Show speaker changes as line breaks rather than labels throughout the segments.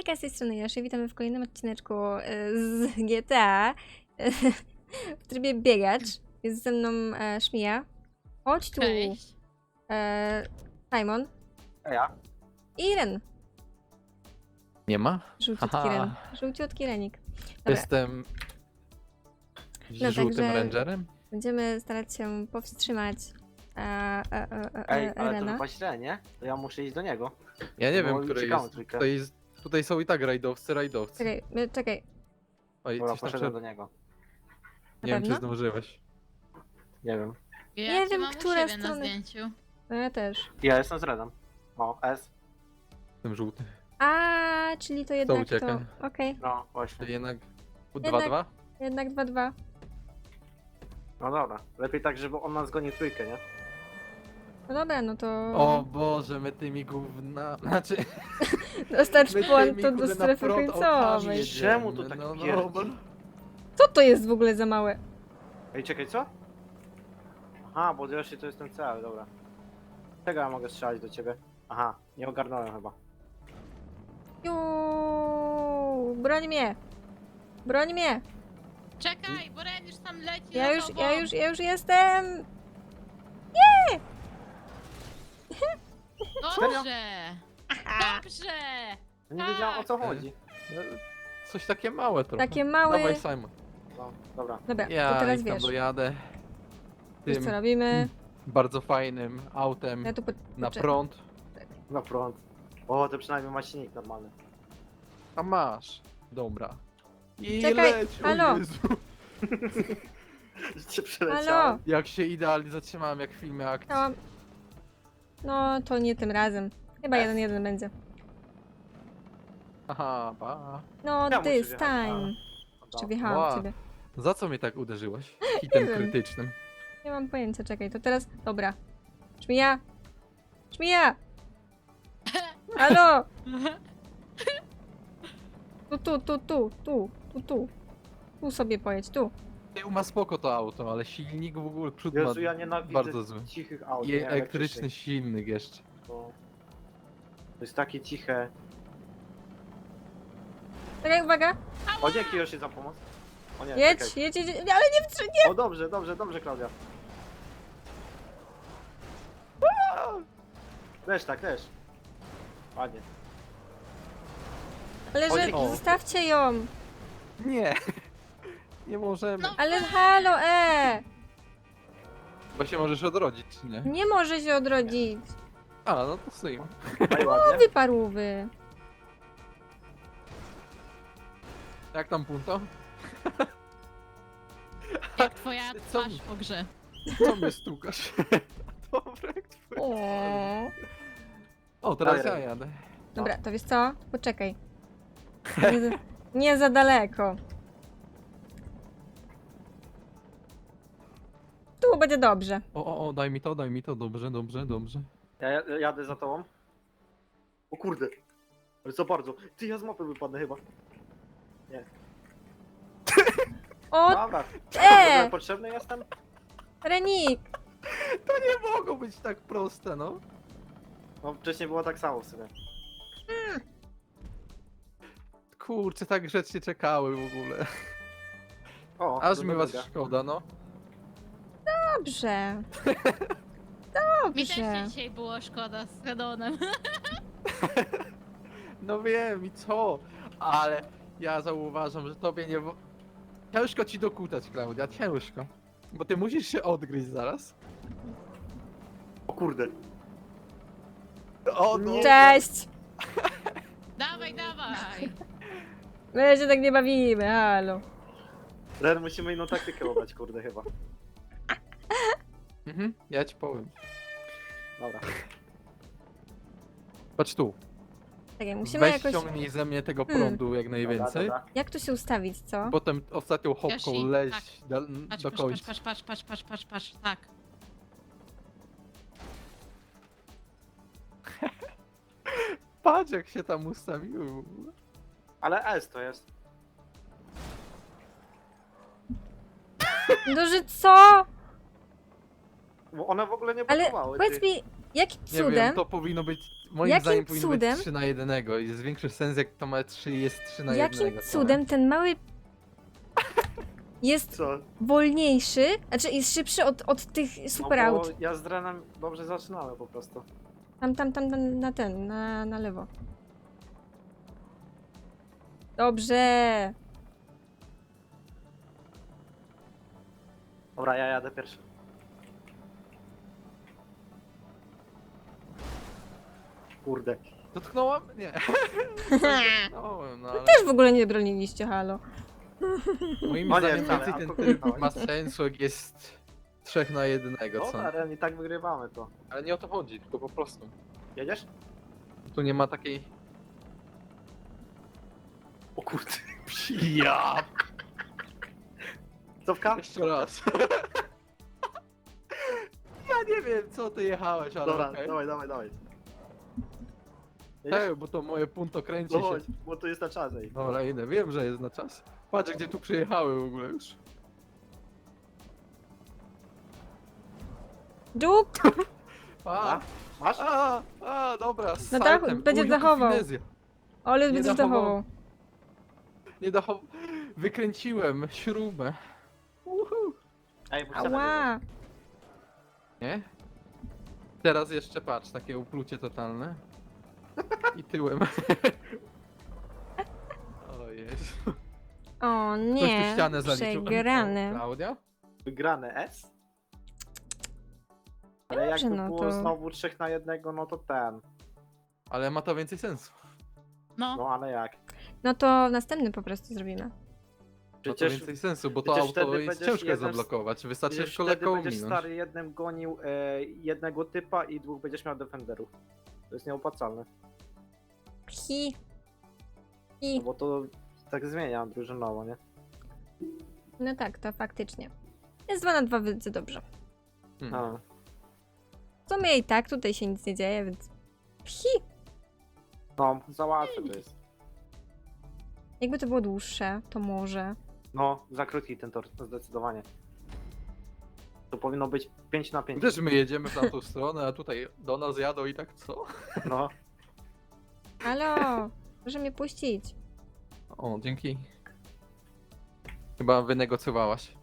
Hejka, z tej strony Joszy, witamy w kolejnym odcineczku z GTA w trybie biegacz. Jest ze mną Szmija. Chodź tu,
Cześć.
Simon
A ja?
i Ren.
Nie ma?
Żółciutki
Aha.
Ren. Żółciutki Renik. Dobra,
Jestem
No
żółtym
także-
rangerem?
będziemy starać się powstrzymać
Ej, ale to
Rena.
chyba źle, nie? To ja muszę iść do niego.
Ja nie
No,
wiem, który
uciekamy
jest.
trójkę.
Tutaj są i tak rajdowcy.
Czekaj,
Oj,
Dobra,
coś tam
poszedłem
przed...
do niego.
Nie wiem, czy
pewno?
zdążyłeś.
Nie wiem.
Ja
Nie
cię
wiem,
mam
która
u siebie
strona.
na zdjęciu.
no ja też.
Ja jestem z Redem. O, S.
Jestem żółty.
Czyli to jednak
ucieka?
to... Okej,
No, właśnie.
Czyli jednak...
Jednak-
2-2?
jednak 2-2.
No dobra. Lepiej tak, żeby on nas goni trójkę, nie?
No dobra, no to...
O Boże, my tymi gówna... Znaczy...
Dostarcz
my
puantu
tymi,
do
kurde,
strefy
na front
końcowej.
autami jedziemy.
Czemu to tak
no,
pierdzi?
Co to jest w ogóle za małe?
Ej, czekaj, co? Aha, bo Yoshi to jest ten cel, dobra. Czego ja mogę strzelać do ciebie? Aha, nie ogarnąłem chyba.
Juuu, broń mnie! Broń mnie!
Czekaj, bo Ren już tam leci
Ja
za
już,
tobą.
ja już jestem!
Dobrze! Dobrze!
Ja nie wiedziałem o co chodzi.
Coś takie małe trochę.
Takie małe...
Dawaj, Simon.
No, dobra.
Dobra, to
Ja
teraz
ich tam
wiesz.
dojadę.
Wiesz co
Tym
robimy?
bardzo fajnym autem
Ja tu
na
poczekaj.
prąd.
Na front. O, to przynajmniej ma silnik normalny.
A masz. Dobra. I
Czekaj,
leć, o
halo.
Jezu.
Cię
Halo!
przeleciałem.
Jak się idealnie zatrzymałem, jak w filmie akcji.
Chciałam... No, to nie tym razem. Chyba 1-1 będzie.
Aha, pa.
No,
Ja muszę
this
wjechać.
time. Czy wjechałam w
Ła.
ciebie?
Za co mnie tak uderzyłeś? Hitem
wiem.
krytycznym.
Nie mam pojęcia, czekaj, to teraz... Dobra. Szmija! Szmija! Halo! Tu. Tu sobie pojedź, tu.
Tył ma spoko to auto, ale silnik w ogóle przód ma
Jezu, ja nienawidzę
bardzo zły.
cichych aut.
I
nie,
elektryczny silnik jeszcze.
To jest takie ciche.
Czekaj, uwaga!
O, dzięki Yoshi za pomoc. O nie,
Jedź,
czekaj.
jedź, ale nie wstrzymaj!
O, dobrze, Klaudia. Tak, też. Ładnie.
Ale
O,
że...
dzięki.
Zostawcie ją!
Nie! Nie możemy.
No.
Ale halo,
Bo się możesz odrodzić, czy nie?
Nie może się odrodzić!
A, no to syj.
Daj ładnie.
Wy parówy!
Jak tam punto?
Jak twoja
Co
twarz
mi-
po grze.
Co mnie stukasz? Dobra, jak twój.
O.
O, teraz
Daj,
ja jadę.
Dobra, to wiesz co? Poczekaj. Nie za daleko. Tu będzie dobrze.
O, daj mi to, dobrze.
Ja jadę za tobą. O kurde. Ale co bardzo. Ty, ja z mapy wypadnę chyba.
O,
Dobra. Potrzebny jestem?
Renik!
To nie mogło być tak proste, no.
No wcześniej było tak samo w sumie.
Kurczę, tak grzecznie czekały w ogóle.
O,
Aż
to
mi was
druga.
szkoda, no.
Dobrze.
Mi też
Dobrze.
dzisiaj było szkoda z Redonem.
No wiem i co, ale ja zauważam, że tobie nie... Ciężko ci dokutać, Klaudia, ciężko. Bo ty musisz się odgryźć zaraz.
O kurde.
O, no.
Nie.
Cześć!
Dawaj!
My się tak nie bawimy, halo.
Ren, musimy inną taktykę obrać, kurde chyba.
Mhm, ja ci powiem.
Dobra.
Patrz tu,
Czekaj, musimy
weź
jakoś...
ściągnij ze mnie tego prądu jak najwięcej.
Dobra.
Jak tu się ustawić, co?
Potem ostatnią hopką
Yoshi,
leź
tak. Patrz,
do
patrz,
końca.
patrz, tak.
Patrz jak się tam ustawiły w ogóle.
Ale S to jest.
No, że co?
Bo one w ogóle nie
Ale
blokowały.
powiedz
ty.
mi... Jakim
Nie wiem,
cudem,
to powinno być, moim
Jakim
zdaniem powinno
cudem?
być 3 na 1. Jest większy sens, jak to ma 3 jest 3 na 1.
jakim cudem ten mały jest
Co?
wolniejszy, znaczy jest szybszy od tych super
No bo
aut.
ja z Drenem dobrze zaczynałem po prostu.
Tam, na ten, na lewo. Dobrze.
Dobra, ja jadę pierwszy. Kurde.
Dotknąłam? Nie. Dotknąłem, no ale
Też w ogóle nie broniliście, halo.
moim
No nie,
zdaniem
wcale,
więcej
a
ten
kogo
tryb ma sensu, jak jest 3 na 1, co?
Dobra, Ren, i tak wygrywamy to.
Ale nie o to chodzi, tylko po prostu.
Jedziesz?
Tu nie ma takiej...
O kurde.
Ja!
Cofka?
Jeszcze raz. Ja nie wiem, co ty jechałeś, ale
Dobra,
okej.
dawaj. Jedziesz?
Ej, bo to moje punto kręci
No
się.
chodź, bo tu jest na czas, ej.
Dobra, idę, wiem, że jest na czas. Patrz, gdzie tu przyjechały w ogóle już.
Dżuk!
A,
Masz?
dobra, z
Na dachu,
saltem.
będzie
Uj, jaka
zachował.
finezja.
Ale
Nie
będziesz
dachował.
dachował.
Nie dachował. Wykręciłem śrubę. Uhu.
Ej, bo ścianę
Ała!
Nie? Teraz jeszcze patrz, takie uplucie totalne. I tyłem. O Jezu.
O
Ktoś tu
nie,
ścianę zaliczył.
przegrany.
Klaudia?
Wygrane S? Ale
Dobrze,
jakby
no
było
to-
znowu 3 na 1, no to ten.
Ale ma to więcej sensu.
No,
No ale jak?
No to następny po prostu zrobimy.
Ma to
Przecież,
więcej sensu, bo to
przecież
auto
wtedy
jest
będziesz
ciężko
jeden z-
zablokować. Wystarczy
przecież
tylko
wtedy
lekko
będziesz
ominąć.
stary jednym gonił jednego typa i 2 będziesz miał defenderów. To jest nieopłacalne.
Hi.
No
Hi.
bo to tak zmienia drużynowo, nie?
No tak, to faktycznie. Jest 2 na 2, więc dobrze.
A.
W sumie i tak tutaj się nic nie dzieje, więc... Hi.
No, za łatwe to jest.
Jakby to było dłuższe, to może.
No, za krótki ten tor, zdecydowanie. To powinno być 5 na 5.
Też my jedziemy w tamtą stronę, a tutaj do nas jadą i tak co?
No,
Halo! Proszę mnie puścić.
O, dzięki. Chyba wynegocjowałaś.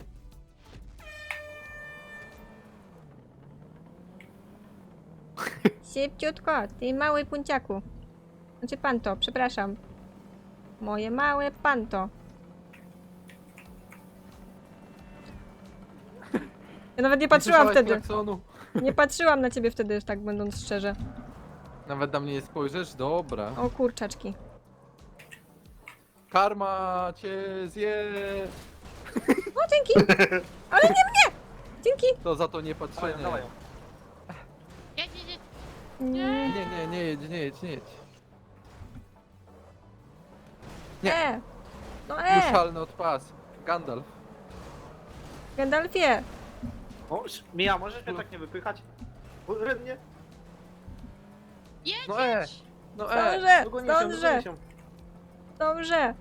Szybciutko, ty mały punciaku. Znaczy panto, przepraszam. Moje małe panto. Ja nawet nie patrzyłam
słyszałaś
wtedy.
klaksonu?
Nie patrzyłam na ciebie wtedy, tak będąc szczerze.
Nawet na mnie nie spojrzysz? Dobra.
O kurczaczki.
Karma cię zje.
O, dzięki! Ale nie mnie! Dzięki!
To za to nie patrzenie.
dawaj.
jedź.
Nie.
Nie jedź, nie jedź, nie jedź.
No
Juszalny od pas. Gandalf.
Gandalfie!
O, Mija, możesz mnie tak nie wypychać? Bo Ren nie.
Jedź,
No
jedź.
No
Zdążę!
Dogonię się,
Zdążę!
dogonię się.
Dobrze!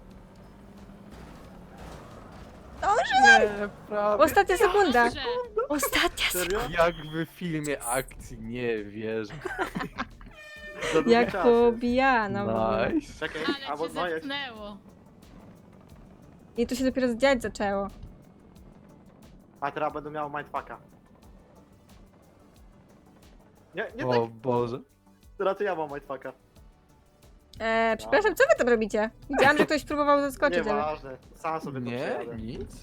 Nie, prawie.
Ostatnia sekunda!
Dobrze.
Ostatnia sekunda!
Serio?
Jak w filmie akcji, nie wierzę.
Za długi
Jak
czas
pobijana w ogóle.
Nice.
jest. Czekaj,
Ale
albo
cię
no jedź.
zepchnęło.
I tu się dopiero dziać zaczęło.
A teraz będę miał mindfucka. Nie
O
tak,
Boże.
teraz to ja mam mindfucka.
Przepraszam, co wy tam robicie? Widziałam, że ktoś próbował zaskoczyć, ale...
Nieważne, sam sobie to
Nie,
przejadę.
nic.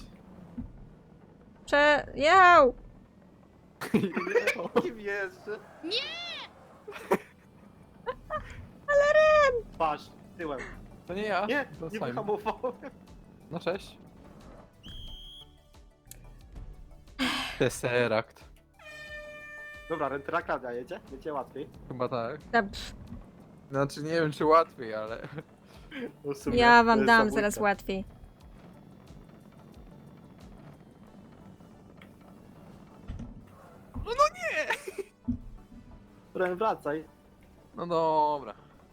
Przejechał!
Kim jeszcze?
Nie!
Patrz, tyłem.
To nie ja.
Nie,
to
nie
Simon.
wyhamowałem.
No cześć. Tesseract.
Dobra, Rentera Klaudia jedzie? Będzie łatwiej.
Chyba tak.
Pff,
Znaczy nie wiem czy łatwiej, ale...
No w sumie,
ja
to
wam
jest
dam
zabójca.
zaraz łatwiej.
Ren, wracaj.
No dobra.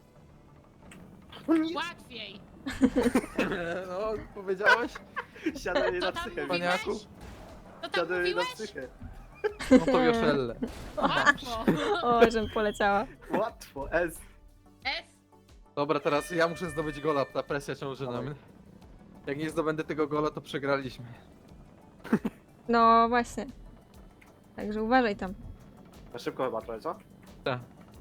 Łatwiej.
No, powiedziałeś?
Siadaj jej
To
na
tam
psychę.
Paniaku?
mówiłeś? To tam
Siadaj jej na
mówiłeś?
psychę.
No to Joszelle.
Łatwo.
O, żem poleciała.
Łatwo, S.
S.
Dobra, teraz ja muszę zdobyć gola, ta presja ciąży na
Dawaj.
mnie. Jak nie zdobędę tego gola, to przegraliśmy.
No właśnie. Także uważaj tam.
Na szybko chyba trochę, co?
Tak.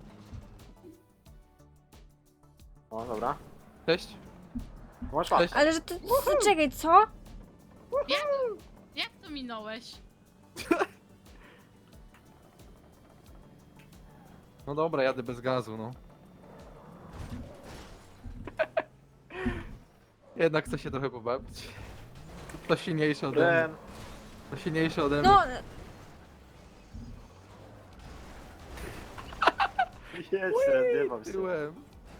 O, dobra.
Cześć.
Masz łatwo.
Cześć.
Ale że to... Czekaj, co?
Jak to minąłeś?
No dobra, jadę bez gazu, no. Jednak chcę się trochę pobawić. To silniejsze ode mnie.
Ren.
To silniejsze ode mnie.
No,
Jedź, Ren, nie bał się.
Tyłem.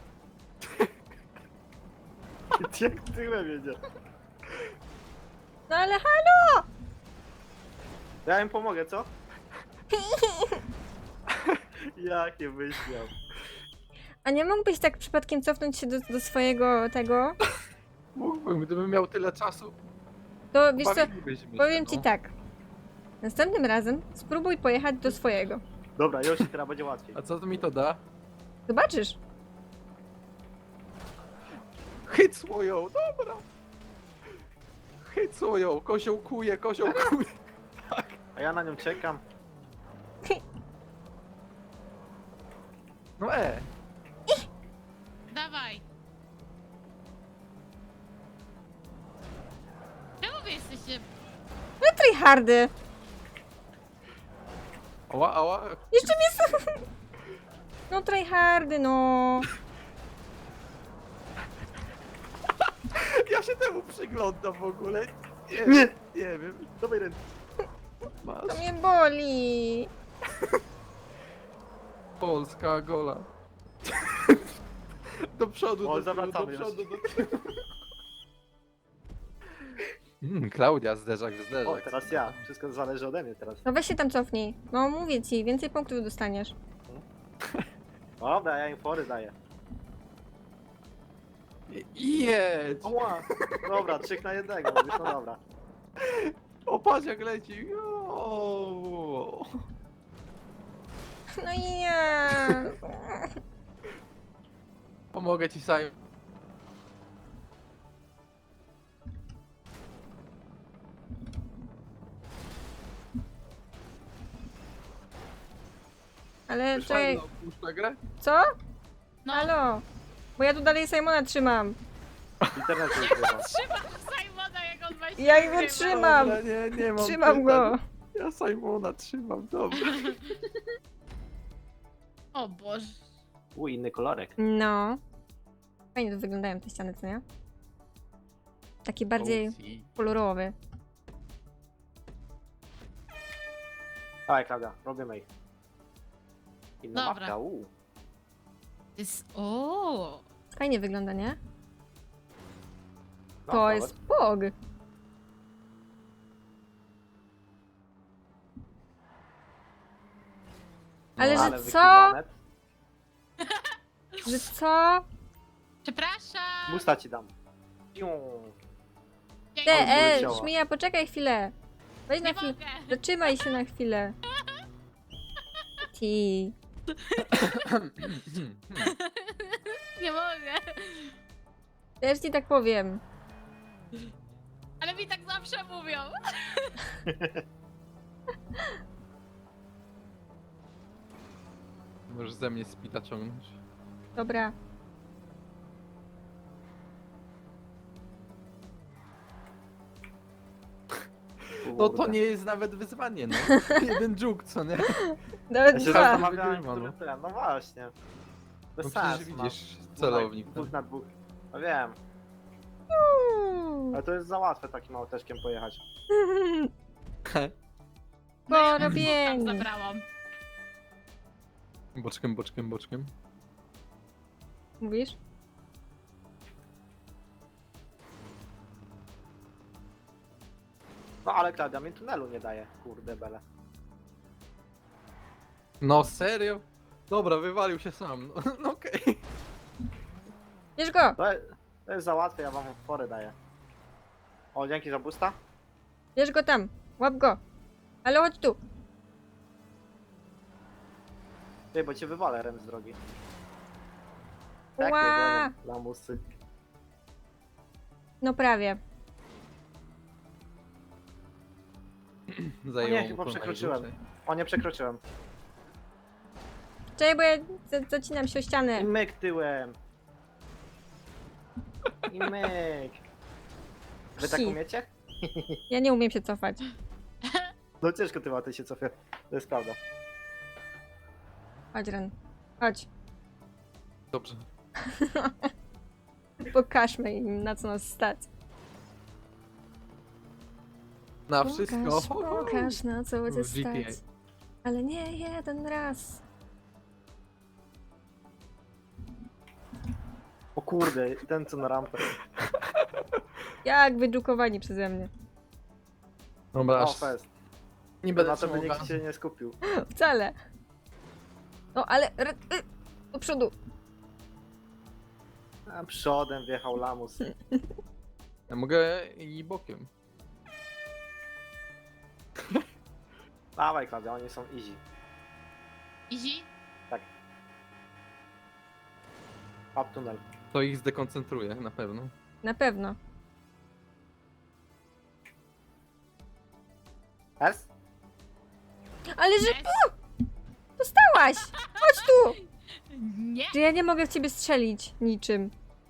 Jak tyłem jedzie.
no ale halo!
Ja im pomogę, co? Jakie wyśmiał.
A nie mógłbyś tak przypadkiem cofnąć się do swojego tego?
Mógłbym, gdybym miał tyle czasu.
To wiesz co,
Bawilibyśmy się,
powiem ci
no.
tak. Następnym razem spróbuj pojechać do swojego.
Dobra, już teraz będzie łatwiej.
A co to mi to da?
Zobaczysz.
Chyt swoją, dobra. Chyt swoją, koziołkuje, koziołkuje.
A ja na nią czekam.
No
Dawaj. Czemu wy jesteście...
No tryhardy.
Ała, ała.
Jeszcze mnie... No tryhardy, no.
Ja się temu przyglądam w ogóle. Nie,
Nie.
nie wiem.
Dawaj, Ren.
Masz.
To mnie boli.
Polska gola. Do przodu,
O,
do tyłu, do
zawracamy
przodu, do tyłu. Klaudia, zderzak w
O,
zderzak.
teraz ja. Wszystko zależy ode mnie teraz.
No weź się tam cofnij. No mówię ci, więcej punktów dostaniesz.
Dobra, ja im fory daję.
Jedź!
Oła. Dobra, 3 na 1, mówisz, no dobra.
O, patrz jak leci. O.
No i nie.
Pomogę ci, Simon.
Ale czekaj,
Puszcza grę?
co?
No,
Halo? Bo ja tu dalej Simona trzymam.
W internecie już chyba.
trzymam Simona, jak on właśnie
Ja go
wygrywa.
trzymam.
Dobra, nie mam
Trzymam
pytań.
go.
Ja Simona trzymam, dobra.
O Boże.
Inny kolorek.
No. Fajnie to wyglądają te ściany, co nie? Taki bardziej kolorowy.
Dawaj, Klaudia, robimy ich. Inna
Dobra.
mapka,
Jest... O.
Fajnie wygląda, nie?
No,
To
nawet.
jest POG. Ale że co?
wykiwane.
Że co?
Przepraszam.
Musta ci dam. Piu.
Te,
poleciała.
Szmija, poczekaj chwilę. Weź na
Nie
chwilę.
mogę.
Zatrzymaj się na chwilę. Ti.
Nie mogę.
Też ci tak powiem.
Ale mi tak zawsze mówią.
Możesz ze mnie spita ciągnąć.
Dobra.
No to nie jest nawet wyzwanie, no. Jeden dżuk, co nie?
Nawet
Ja się
dwa.
zastanawiałem,
Wygrywa,
który
no.
ten. No właśnie. Bez
No
sensu.
przecież
no.
widzisz celownik.
Dwóch na dwóch. No wiem, ale to jest za łatwe takim auteczkiem pojechać.
No ja
Porobieni.
tam zabrałam.
Boczkiem, boczkiem, boczkiem.
Mówisz?
No ale Klaudia mi tunelu nie daje, kurde bele.
No serio? Dobra, wywalił się sam. No, no okej.
Bierz go!
To jest za łatwe, ja wam fory daję. O, dzięki za boosta.
Bierz go tam! Łap go! Ale chodź tu!
Ty, bo cię wywalę rem z drogi. Tak,
Ła!
lamusy.
No prawie.
Zajęło mu
chyba
to
przekroczyłem.
najdłużej.
O, nie przekroczyłem.
Czekaj, bo ja zacinam się o
I
ścianę.
myk tyłem. I myk. Wy tak
Psi.
umiecie?
Ja nie umiem się cofać.
No ciężko ty ty się cofie. To jest prawda.
Chodź, Ren. Chodź.
Dobrze.
Pokażmy im, na co nas stać.
Na wszystko.
Pokaż, na co będzie
W GTA.
stać. Ale nie jeden raz.
O kurde, ten co na rampę.
Jak wydrukowani przeze mnie.
Dobra,
O,
aż
fest.
nie
Na
będę
to by
trzymał
nikt się nie skupił.
Wcale. No ale... Do przodu.
A przodem wjechał lamus.
Ja mogę i bokiem.
Dawaj Klaudia, oni są easy.
Easy?
Up tunel.
To ich zdekoncentruje, na pewno.
Na pewno.
S?
Ale że
Yes.
dostałaś! Chodź tu!
Nie!
Że ja nie mogę w ciebie strzelić niczym.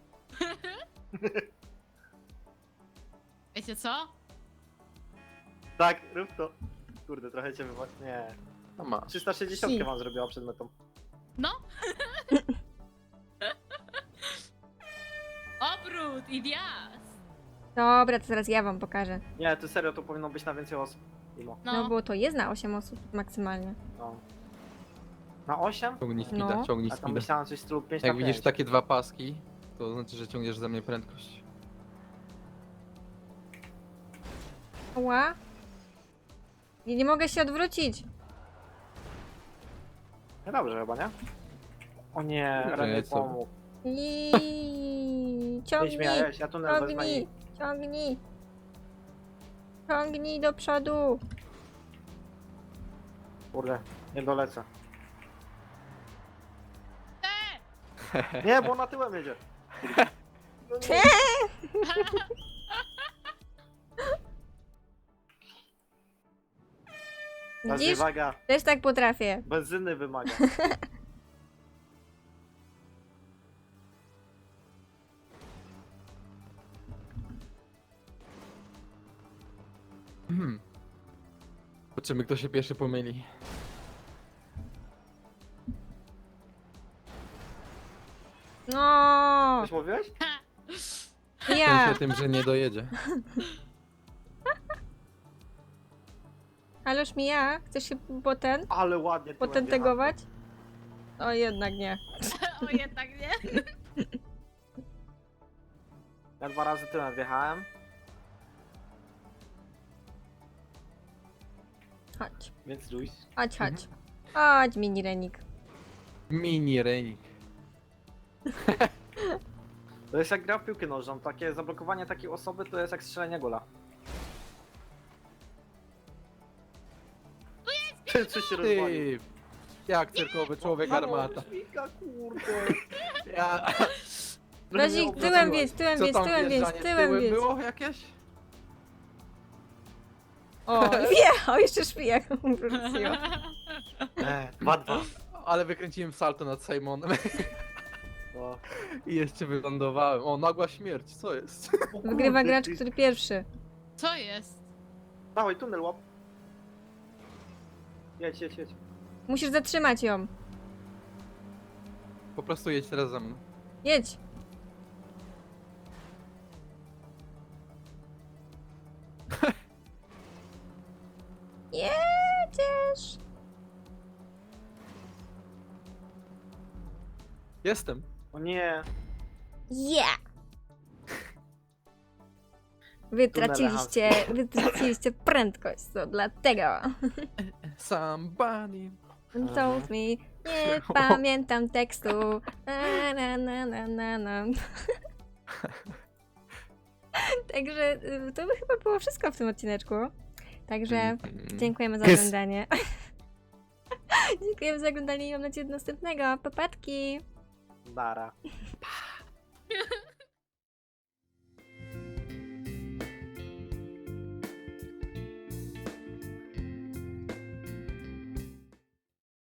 Wiecie co?
Tak, rób to. Kurde, trochę cię wywa... Nie.
A masz.
360
Si.
wam zrobiła przed metą.
No? Obrót i wjazd!
Dobra, to teraz ja wam pokażę.
Nie, to serio, to powinno być na więcej osób. Mimo.
No bo to jest na 8 osób maksymalnie.
No. Na 8?
Ciągnij speeda,
No.
ciągnij
A tam
speeda.
myślałem coś w stylu 5
Jak
na
widzisz
5.
takie dwa paski, to znaczy, że ciągniesz ze mnie prędkość.
Ła? Nie mogę się odwrócić.
No dobrze chyba, nie? O nie,
Kurde,
Ren
co?
pomógł.
I
Nie
ciągnij,
śmiałeś, ja tunel wezmę
ciągnij,
i...
ciągnij. Ciągnij do przodu.
Kurde, nie dolecę.
Te!
Nie, bo na tyłem jedzie. No nie. Teraz
Widzisz?
wymaga,
Też tak potrafię.
benzyny wymaga.
Zobaczymy, kto się pierwszy pomyli.
No,
Coś mówiłeś?
ja.
Myślę tym, że nie dojedzie.
Ależ mi ja. Chcesz się potem
Ale ładnie tyłem
potentegować? O, jednak nie.
O jednak nie.
wjechałem. Ja 2 razy tyłem wjechałem,
Chodź,
więc luź.
chodź, chodź. Chodź, mini Renik.
Mini Renik.
To jest jak gra w piłkę nożną, takie zablokowanie takiej osoby to jest jak strzelenie gola. Ty, coś się rozwalił.
Ty! Jak cyrkowy człowiek armata.
Śmika, kurde.
Ja...
Razik, tyłem wiedź, tyłem
Co
wiedź,
tam
tyłem wiedź,
wjeżdżanie
tyłem
tyłem
wiedź.
było jakieś?
O, wjechał, jeszcze szpijak wróciła.
2-2.
Ale wykręciłem salto nad Simonem
No.
i jeszcze wylądowałem. O, nagła śmierć, co jest?
Wygrywa gracz, który pierwszy.
Co jest?
Dawaj, tunel łap. Jedź, jedź, jedź.
Musisz zatrzymać ją.
Po prostu jedź teraz za mną.
Jedź. Jedziesz.
Jestem.
O nie.
Yeah. Wytraciliście prędkość, to dlatego.
Somebody.
Told me, nie pamiętam tekstu. Na. Także to by chyba było wszystko w tym odcineczku. Także dziękujemy za oglądanie. Dziękuję Dziękuję za oglądanie i mam nadzieję do następnego. Papatki!
Dara.